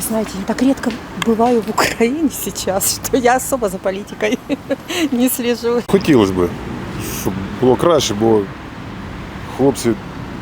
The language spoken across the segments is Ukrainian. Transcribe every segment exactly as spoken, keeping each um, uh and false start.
знаете, я так редко бываю в Украине сейчас, что я особо за политикой не слежу. Хотілося б, щоб було краще, бо хлопці,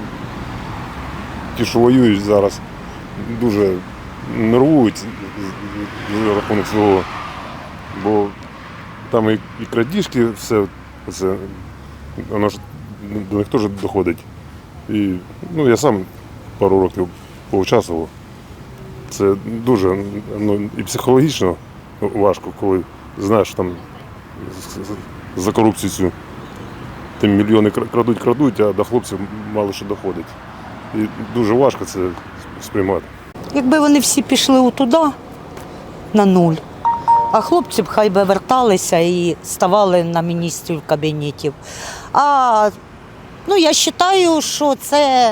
ті, що воюють зараз, дуже нервують за рахунок цього, бо там і, і крадіжки, все це, воно ж до них теж доходить. І, ну, я сам пару років поучаствував. Це дуже, ну, і психологічно важко, коли знаєш, там за корупцію цю тим мільйони крадуть, крадуть, а до хлопців мало що доходить. І дуже важко це сприймати. Якби вони всі пішли туди, на нуль, а хлопці б хай би верталися і ставали на міністрів кабінетів. А ну, я вважаю, що це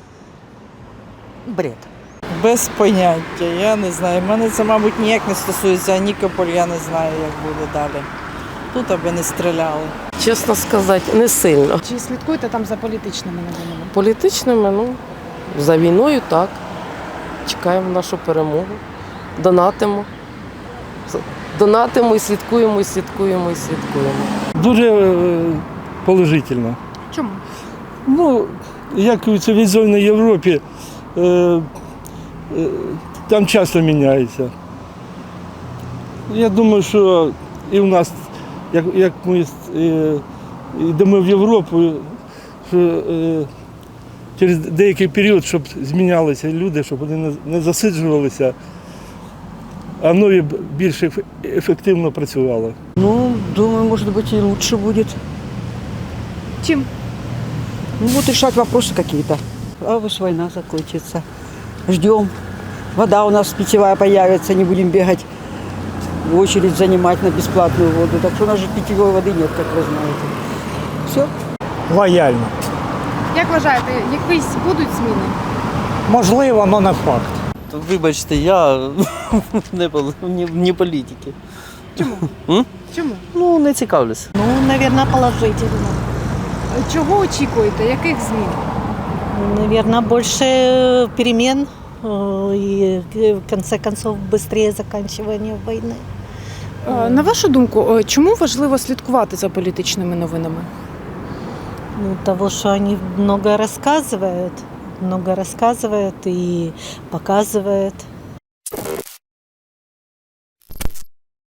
бред. Без поняття, я не знаю. Мене це, мабуть, ніяк не стосується, а Нікополь, я не знаю, як буде далі. Тут аби не стріляли. Чесно сказати, не сильно. Чи слідкуєте там за політичними новинами? Політичними, ну, за війною так. Чекаємо нашу перемогу. Донатимо. Донатимо і слідкуємо, і слідкуємо, і слідкуємо. Дуже е, положительно. Чому? Ну, як у цивілізованій Європі, е, е, там часто міняється. Я думаю, що і в нас, як, як ми е, йдемо в Європу, що е, через деякий період, щоб змінялися люди, щоб вони не, не засиджувалися, а нові більш ефективно працювали. Ну, думаю, может быть, и лучше будет. Чим? Ну, будут решать вопросы какие-то. А вот война закончится. Ждем. Вода у нас питьевая появится, не будем бегать в очередь занимать на бесплатную воду. Так что у нас же питьевой воды нет, как вы знаете. Все. Лояльно. Як вважаєте, якісь будуть зміни? Можливо, але не факт. Вибачте, я не, не, не політики. Чому? М? Чому? Ну, не цікавлюся. Ну, мабуть, положительно. Чого очікуєте? Яких змін? Наверное, больше перемен э, и, в конце концов, быстрее заканчивание войны. Е, На вашу думку, е, чому важливо слідкувати за політичними новинами? Ну, того, что они много рассказывают, много рассказывают и показывают.